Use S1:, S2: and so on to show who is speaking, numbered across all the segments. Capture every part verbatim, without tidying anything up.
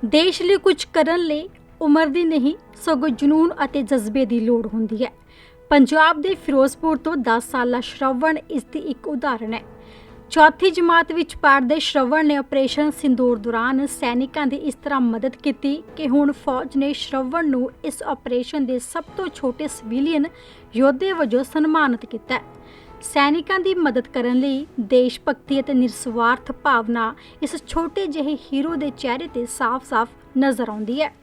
S1: ਦੇਸ਼ ਲਈ ਕੁਝ ਕਰਨ ਲਈ ਉਮਰ ਦੀ ਨਹੀਂ ਸਗੋਂ ਜਨੂਨ ਅਤੇ ਜਜ਼ਬੇ ਦੀ ਲੋੜ ਹੁੰਦੀ ਹੈ। ਪੰਜਾਬ ਦੇ ਫਿਰੋਜ਼ਪੁਰ ਤੋਂ ਦਸ ਸਾਲਾ ਸ਼ਰਵਣ ਇਸ ਦੀ ਇੱਕ ਉਦਾਹਰਣ ਹੈ। ਚੌਥੀ ਜਮਾਤ ਵਿੱਚ ਪੜ੍ਹਦੇ ਸ਼ਰਵਣ ਨੇ ਆਪਰੇਸ਼ਨ ਸਿੰਦੂਰ ਦੌਰਾਨ ਸੈਨਿਕਾਂ ਦੀ ਇਸ ਤਰ੍ਹਾਂ ਮਦਦ ਕੀਤੀ ਕਿ ਹੁਣ ਫੌਜ ਨੇ ਸ਼ਰਵਣ ਨੂੰ ਇਸ ਆਪਰੇਸ਼ਨ ਦੇ ਸਭ ਤੋਂ ਛੋਟੇ ਸਿਵਿਲੀਅਨ ਯੋਧੇ ਵਜੋਂ ਸਨਮਾਨਿਤ ਕੀਤਾ ਹੈ। ਸੈਨਿਕਾਂ ਦੀ ਮਦਦ ਕਰਨ ਲਈ ਦੇਸ਼ ਭਗਤੀ ਅਤੇ ਨਿਰਸਵਾਰਥ ਭਾਵਨਾ ਇਸ ਛੋਟੇ ਜਿਹੇ ਹੀਰੋ ਦੇ ਚਿਹਰੇ ਤੇ ਸਾਫ਼-ਸਾਫ਼ ਨਜ਼ਰ ਆਉਂਦੀ ਹੈ।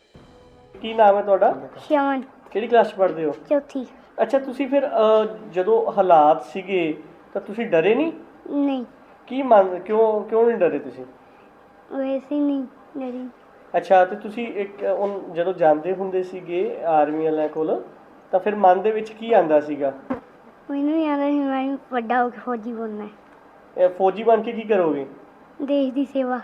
S2: ਕੀ ਨਾਮ ਹੈ ਤੁਹਾਡਾ?
S3: ਸ਼ਮਨ।
S2: ਕਿਹੜੀ ਕਲਾਸ 'ਚ ਪੜ੍ਹਦੇ ਹੋ?
S3: ਚੌਥੀ।
S2: ਅੱਛਾ, ਤੁਸੀਂ ਫਿਰ ਅਹ, ਜਦੋਂ ਹਾਲਾਤ ਸੀਗੇ ਤਾਂ ਤੁਸੀਂ ਡਰੇ ਨਹੀਂ?
S3: ਨਹੀਂ,
S2: ਕੀ ਮੰਨ ਕਿਉਂ ਕਿਉਂ ਨਹੀਂ ਡਰੇ ਤੁਸੀਂ?
S3: ਵੈਸੇ ਹੀ ਨਹੀਂ ਡਰੀ।
S2: ਅੱਛਾ, ਤੇ ਤੁਸੀਂ ਇੱਕ ਉਨ- ਜਦੋਂ ਜਾਂਦੇ ਹੁੰਦੇ ਸੀਗੇ ਆਰਮੀ ਵਾਲਿਆਂ ਕੋਲ ਤਾਂ ਫਿਰ ਮਨ ਦੇ ਵਿੱਚ ਕੀ ਆਂਦਾ ਸੀਗਾ?
S3: ਮੈਨੂੰ ਨਹੀਂ ਆਉਂਦਾ ਸੀ ਮੈਂ ਵੀ ਵੱਡਾ ਹੋ ਕੇ ਫੌਜੀ ਬਣਨਾ ਹੈ।
S2: ਇਹ ਫੌਜੀ ਬਣ ਕੇ ਕੀ ਕਰੋਗੇ?
S3: ਦੇਸ਼ ਦੀ ਸੇਵਾ।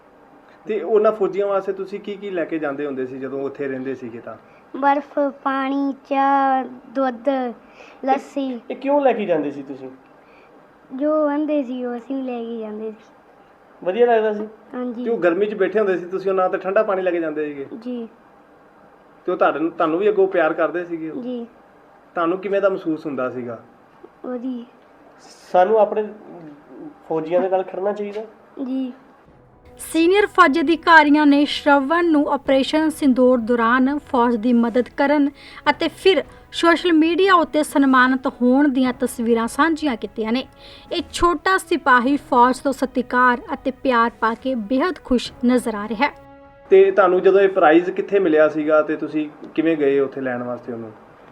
S4: ਤੇ ਉਹਨਾਂ ਫੌਜੀਆਂ ਵਾਸਤੇ ਤੁਸੀਂ ਕੀ ਕੀ ਲੈ ਕੇ ਜਾਂਦੇ ਹੁੰਦੇ ਸੀ ਜਦੋਂ ਉੱਥੇ ਰਹਿੰਦੇ ਸੀਗੇ ਤਾਂ?
S3: ਬਰਫ਼, ਪਾਣੀ, ਚਾਹ, ਦੁੱਧ, ਲੱਸੀ,
S2: ਇਹ ਕਿਉਂ ਲੈ ਕੇ ਜਾਂਦੇ ਸੀ ਤੁਸੀਂ?
S3: ਜੋ ਆਂਦੇ ਸੀ ਉਹ ਅਸੀਂ ਵੀ ਲੈ ਕੇ ਜਾਂਦੇ ਸੀ।
S2: ਵਧੀਆ ਲੱਗਦਾ ਸੀ?
S3: ਹਾਂਜੀ
S4: ਤੇ ਉਹ ਗਰਮੀ 'ਚ ਬੈਠੇ ਹੁੰਦੇ ਸੀ ਤੁਸੀਂ ਉਹਨਾਂ ਤੇ ਠੰਡਾ ਪਾਣੀ ਲੈ ਕੇ ਜਾਂਦੇ ਸੀਗੇ
S3: ਜੀ
S4: ਤੇ ਉਹ ਤੁਹਾਨੂੰ ਤੁਹਾਨੂੰ ਵੀ ਅੱਗੋਂ ਪਿਆਰ ਕਰਦੇ ਸੀਗੇ ਉਹ?
S3: ਜੀ।
S4: ਤੁਹਾਨੂੰ ਕਿਵੇਂ ਦਾ ਮਹਿਸੂਸ ਹੁੰਦਾ ਸੀਗਾ?
S3: ਉਹਦੀ
S2: ਸਾਨੂੰ ਆਪਣੇ ਫੌਜੀਆਂ ਦੇ ਨਾਲ ਖੜਨਾ ਚਾਹੀਦਾ।
S3: ਜੀ।
S1: ਸੀਨੀਅਰ ਫੌਜ ਅਧਿਕਾਰੀਆਂ ਨੇ ਸ਼ਰਵਣ ਨੂੰ ਆਪਰੇਸ਼ਨ ਸਿੰਦੂਰ ਦੌਰਾਨ ਫੌਜ ਦੀ ਮਦਦ ਕਰਨ ਅਤੇ ਫਿਰ ਸੋਸ਼ਲ ਮੀਡੀਆ ਉੱਤੇ ਸਨਮਾਨਿਤ ਹੋਣ ਦੀਆਂ ਤਸਵੀਰਾਂ ਸਾਂਝੀਆਂ ਕੀਤੀਆਂ ਨੇ। ਇਹ ਛੋਟਾ ਸਿਪਾਹੀ ਫੌਜ ਤੋਂ ਸਤਿਕਾਰ ਅਤੇ ਪਿਆਰ ਪਾ ਕੇ ਬੇहद ਖੁਸ਼ ਨਜ਼ਰ ਆ ਰਿਹਾ ਹੈ।
S4: ਤੇ ਤੁਹਾਨੂੰ ਜਦੋਂ ਇਹ ਪ੍ਰਾਈਜ਼ ਕਿੱਥੇ ਮਿਲਿਆ ਸੀਗਾ ਤੇ ਤੁਸੀਂ ਕਿਵੇਂ ਗਏ ਉੱਥੇ ਲੈਣ ਵਾਸਤੇ ਉਹਨੂੰ?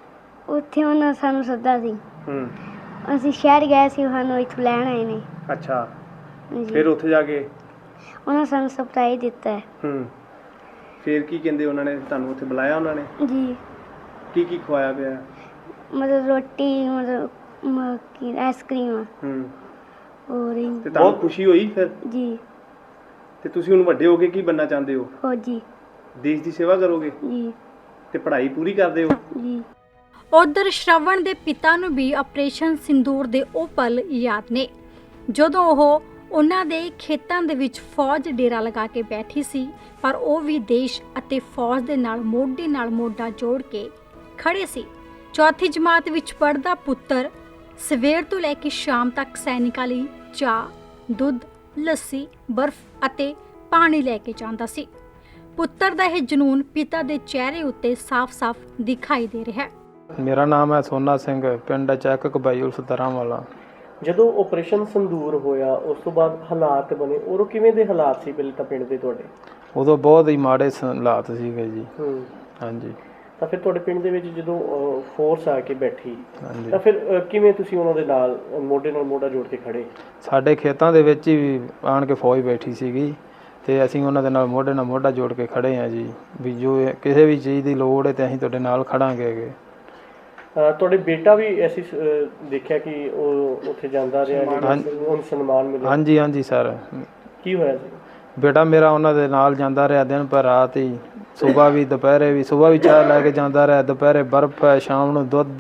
S3: ਉੱਥੇ ਉਹਨਾਂ ਸਾਨੂੰ ਸੱਦਾ ਸੀ।
S4: ਹੂੰ।
S3: ਅਸੀਂ ਸ਼ਹਿਰ ਗਏ ਸੀ, ਸਾਨੂੰ ਇੱਥੋਂ ਲੈਣ ਆਏ ਨੇ।
S4: ਅੱਛਾ,
S3: ਜੀ।
S4: ਫਿਰ ਉੱਥੇ ਜਾ ਕੇ
S3: ਉਹਨਾਂ ਸਾਨੂੰ ਸਰਪ੍ਰਾਈਜ਼ ਦਿੱਤਾ ਹੈ।
S4: ਹੂੰ ਫਿਰ ਕੀ ਕਹਿੰਦੇ ਉਹਨਾਂ ਨੇ ਤੁਹਾਨੂੰ ਉੱਥੇ ਬੁਲਾਇਆ ਉਹਨਾਂ ਨੇ?
S3: ਜੀ।
S4: ਕੀ ਕੀ ਖਵਾਇਆ ਪਿਆ?
S3: ਮਤਲਬ ਰੋਟੀ, ਮਤਲਬ ਮ- ਕੀ ਆਈਸਕ੍ਰੀਮ
S4: ਹੂੰ।
S3: ਹੋਰ ਹੀ-
S4: ਤੇ ਤੁਹਾਨੂੰ ਖੁਸ਼ੀ ਹੋਈ ਫਿਰ?
S3: ਜੀ।
S4: ਤੇ ਤੁਸੀਂ ਹੁਣ ਵੱਡੇ ਹੋ ਕੇ ਕੀ ਬਣਨਾ ਚਾਹੁੰਦੇ ਹੋ?
S3: ਫੌਜੀ।
S4: ਦੇਸ਼ ਦੀ ਸੇਵਾ ਕਰੋਗੇ
S3: ਜੀ।
S4: ਤੇ ਪੜ੍ਹਾਈ ਪੂਰੀ ਕਰਦੇ ਹੋ?
S3: ਜੀ।
S1: ਉਧਰ ਸ਼ਰਵਣ ਦੇ ਪਿਤਾ ਨੂੰ ਵੀ ਆਪਰੇਸ਼ਨ ਸਿੰਦੂਰ ਦੇ ਉਹ ਪਲ ਯਾਦ ਨੇ ਜਦੋਂ ਉਹ ਉਹਨਾਂ ਦੇ ਖੇਤਾਂ ਦੇ ਵਿੱਚ ਫੌਜ ਡੇਰਾ ਲਗਾ ਕੇ ਬੈਠੀ ਸੀ, ਪਰ ਉਹ ਵੀ ਦੇਸ਼ ਅਤੇ ਫੌਜ ਦੇ ਨਾਲ ਮੋਢੇ ਨਾਲ ਮੋਢਾ ਜੋੜ ਕੇ ਖੜੇ ਸੀ। ਚੌਥੀ ਜਮਾਤ ਵਿੱਚ ਪੜ੍ਹਦਾ ਪੁੱਤਰ ਸਵੇਰ ਤੋਂ ਲੈ ਕੇ ਸ਼ਾਮ ਤੱਕ ਸੈਨਿਕਾਂ ਲਈ ਚਾਹ, ਦੁੱਧ, ਲੱਸੀ, ਬਰਫ਼ ਅਤੇ ਪਾਣੀ ਲੈ ਕੇ ਜਾਂਦਾ ਸੀ। ਪੁੱਤਰ ਦਾ ਇਹ ਜਨੂਨ ਪਿਤਾ ਦੇ ਚਿਹਰੇ ਉੱਤੇ ਸਾਫ਼-ਸਾਫ਼ ਦਿਖਾਈ ਦੇ ਰਿਹਾ ਹੈ।
S5: ਮੇਰਾ ਨਾਮ ਹੈ ਸੋਨਾ ਸਿੰਘ, ਪਿੰਡ ਚੈੱਕ ਕਬਾਈਲ ਸਤਾਰਾਂ ਵਾਲਾ।
S2: ਜਦੋਂ ਆਪਰੇਸ਼ਨ ਸੰਦੂਰ ਹੋਇਆ ਉਸ ਤੋਂ ਬਾਅਦ ਹਾਲਾਤ ਬਣੇ, ਉਦੋਂ ਕਿਵੇਂ ਦੇ ਹਾਲਾਤ ਸੀ ਪਹਿਲੇ ਤਾਂ ਪਿੰਡ ਦੇ ਤੁਹਾਡੇ?
S5: ਉਦੋਂ ਬਹੁਤ ਹੀ ਮਾੜੇ ਸ- ਹਾਲਾਤ ਸੀਗੇ ਜੀ।
S2: ਹੂੰ।
S5: ਹਾਂਜੀ
S2: ਤਾਂ ਫਿਰ ਤੁਹਾਡੇ ਪਿੰਡ ਦੇ ਵਿੱਚ ਜਦੋਂ ਫੋਰਸ ਆ ਕੇ ਬੈਠੀ
S5: ਹਾਂਜੀ।
S2: ਤਾਂ ਫਿਰ ਅਹ, ਕਿਵੇਂ ਤੁਸੀਂ ਉਹਨਾਂ ਦੇ ਨਾਲ ਅਹ, ਮੋਢੇ ਨਾਲ ਮੋਢਾ ਜੋੜ ਕੇ ਖੜੇ?
S5: ਸਾਡੇ ਖੇਤਾਂ ਦੇ ਵਿੱਚ ਹੀ ਆਣ ਕੇ ਫੌਜ ਬੈਠੀ ਸੀਗੀ ਤੇ ਅਸੀਂ ਉਹਨਾਂ ਦੇ ਨਾਲ ਮੋਢੇ ਨਾਲ ਮੋਢਾ ਜੋੜ ਕੇ ਖੜੇ ਹਾਂ ਜੀ, ਵੀ ਜੋ ਇਹ- ਕਿਸੇ ਵੀ ਚੀਜ਼ ਦੀ ਲੋੜ ਹੈ ਤੇ ਅਸੀਂ ਤੁਹਾਡੇ ਨਾਲ ਖੜਾਂਗੇ ਗੇ।
S2: ਅਹ, ਤੁਹਾਡੇ ਬੇਟਾ ਵੀ ਅਸੀਂ ਅਹ, ਦੇਖਿਆ ਕਿ ਉਹ ਉੱਥੇ ਜਾਂਦਾ ਰਿਹਾ,
S5: ਹਾਂਜੀ।
S2: ਉਹਨੂੰ ਸਨਮਾਨ ਮਿਲਿਆ।
S5: ਹਾਂਜੀ ਹਾਂਜੀ ਸਰ,
S2: ਕੀ ਹੋਇਆ ਸੀ?
S5: ਬੇਟਾ ਮੇਰਾ ਉਹਨਾਂ ਦੇ ਨਾਲ ਜਾਂਦਾ ਰਿਹਾ ਦਿਨ ਪਰ ਰਾਤ ਹੀ, ਸਵੇਰ ਵੀ ਦੁਪਹਿਰੇ ਵੀ। ਸਵੇਰ ਵੀ ਚਾਹ ਲੈ ਕੇ ਜਾਂਦਾ ਰਿਹਾ, ਦੁਪਹਿਰੇ ਬਰਫ਼ ਹੈ, ਸ਼ਾਮ ਨੂੰ ਦੁੱਧ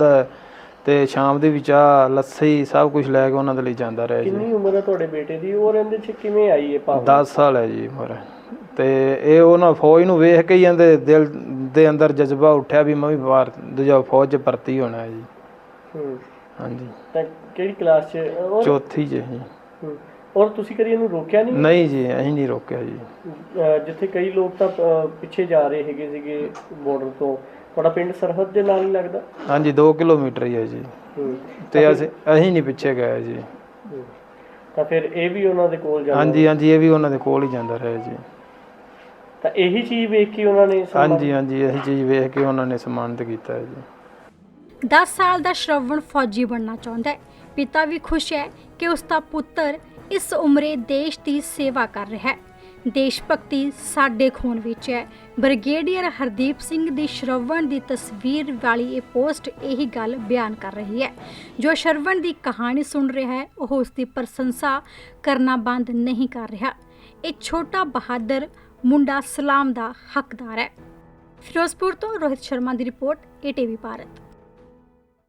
S5: ਤੇ ਸ਼ਾਮ ਦੀ ਵੀ ਚਾਹ, ਲੱਸੀ, ਸਭ ਕੁਝ ਲੈ ਕੇ ਉਹਨਾਂ ਦੇ ਲਈ ਜਾਂਦਾ ਰਿਹਾ ਜੀ।
S2: ਕਿੰਨੀ ਉਮਰ ਹੈ ਤੁਹਾਡੇ ਬੇਟੇ ਦੀ? ਉਹ ਰਹਿੰਦੇ ਚ ਕਿਵੇਂ ਆਈ ਹੈ ਭਾਵਨਾ?
S5: ਦਸ ਸਾਲ ਹੈ ਜੀ ਉਮਰ। ਤੇ ਇਹ ਉਹਨਾਂ ਫੌਜ ਨੂੰ ਵੇਖ ਕੇ ਹੀ ਇਹਦੇ ਦਿਲ ਦੇ ਅੰਦਰ ਜਜ਼ਬਾ ਉੱਠਿਆ ਵੀ ਮੈਂ ਵੀ ਬਾਹਰ ਦੂਜਾ ਫੌਜ 'ਚ ਭਰਤੀ ਹੋਣਾ ਹੈ ਜੀ।
S2: ਹੂੰ।
S5: ਹਾਂਜੀ,
S2: ਤਾਂ ਕਿਹੜੀ ਕਲਾਸ 'ਚ? ਔਰ
S5: ਚੌਥੀ 'ਚ ਜੀ।
S2: ਹੂੰ। ਔਰ ਤੁਸੀਂ ਕਦੀ ਇਹਨੂੰ ਰੋਕਿਆ ਨਹੀਂ?
S5: ਨਹੀਂ ਜੀ, ਅਸੀਂ ਨਹੀਂ ਰੋਕਿਆ ਜੀ।
S2: ਅਹ, ਜਿੱਥੇ ਕਈ ਲੋਕ ਤਾਂ ਅਹ, ਪਿੱਛੇ ਜਾ ਰਹੇ ਹੈਗੇ ਸੀਗੇ ਬਾਰਡਰ ਤੋਂ, ਤੁਹਾਡਾ ਪਿੰਡ ਸਰਹੱਦ ਦੇ ਨਾਲ ਹੀ ਲੱਗਦਾ?
S5: ਹਾਂਜੀ, ਦੋ ਕਿਲੋਮੀਟਰ ਹੀ ਹੈ ਜੀ।
S2: ਹੂੰ।
S5: ਤੇ ਅਸੀਂ ਅਸੀਂ ਨਹੀਂ ਪਿੱਛੇ ਗਏ ਜੀ।
S2: ਹੂੰ। ਤਾਂ ਫਿਰ ਇਹ ਵੀ ਉਹਨਾਂ ਦੇ ਕੋਲ ਜਾਂਦਾ?
S5: ਹਾਂਜੀ ਹਾਂਜੀ, ਇਹ ਵੀ ਉਹਨਾਂ ਦੇ ਕੋਲ ਹੀ ਜਾਂਦਾ ਰਿਹਾ ਜੀ।
S2: ਤਾਂ ਇਹੀ ਚੀਜ਼ ਵੇਖ ਕੇ ਉਹਨਾਂ ਨੇ ਸਨਮਾਨ-
S5: ਹਾਂਜੀ ਹਾਂਜੀ, ਇਹੀ ਚੀਜ਼ ਵੇਖ ਕੇ ਉਹਨਾਂ ਨੇ ਸਨਮਾਨਿਤ ਕੀਤਾ ਹੈ ਜੀ।
S1: ਦਸ ਸਾਲ ਦਾ ਸ਼ਰਵਣ ਫੌਜੀ ਬਣਨਾ ਚਾਹੁੰਦਾ ਹੈ। ਪਿਤਾ ਵੀ ਖੁਸ਼ ਹੈ ਕਿ ਉਸ ਦਾ ਪੁੱਤਰ ਇਸ ਉਮਰੇ ਦੇਸ਼ ਦੀ ਸੇਵਾ ਕਰ ਰਿਹਾ ਹੈ। ਦੇਸ਼ ਭਗਤੀ ਸਾਡੇ ਖੂਨ ਵਿੱਚ ਹੈ। ਬ੍ਰਿਗੇਡੀਅਰ ਹਰਦੀਪ ਸਿੰਘ ਦੀ ਸ਼ਰਵਣ ਦੀ ਤਸਵੀਰ ਵਾਲੀ ਇਹ ਪੋਸਟ ਇਹੀ ਗੱਲ ਬਿਆਨ ਕਰ ਰਹੀ ਹੈ। ਜੋ ਸ਼ਰਵਣ ਦੀ ਕਹਾਣੀ ਸੁਣ ਰਿਹਾ ਹੈ ਉਹ ਉਸ ਦੀ ਪ੍ਰਸ਼ੰਸਾ ਕਰਨਾ ਬੰਦ ਨਹੀਂ ਕਰ ਰਿਹਾ। ਇਹ ਛੋਟਾ ਬਹਾਦਰ ਮੁੰਡਾ ਸਲਾਮ ਦਾ ਹੱਕਦਾਰ ਹੈ। ਫਿਰੋਜ਼ਪੁਰ ਤੋਂ ਰੋਹਿਤ ਸ਼ਰਮਾ ਦੀ report, A T V Bharat.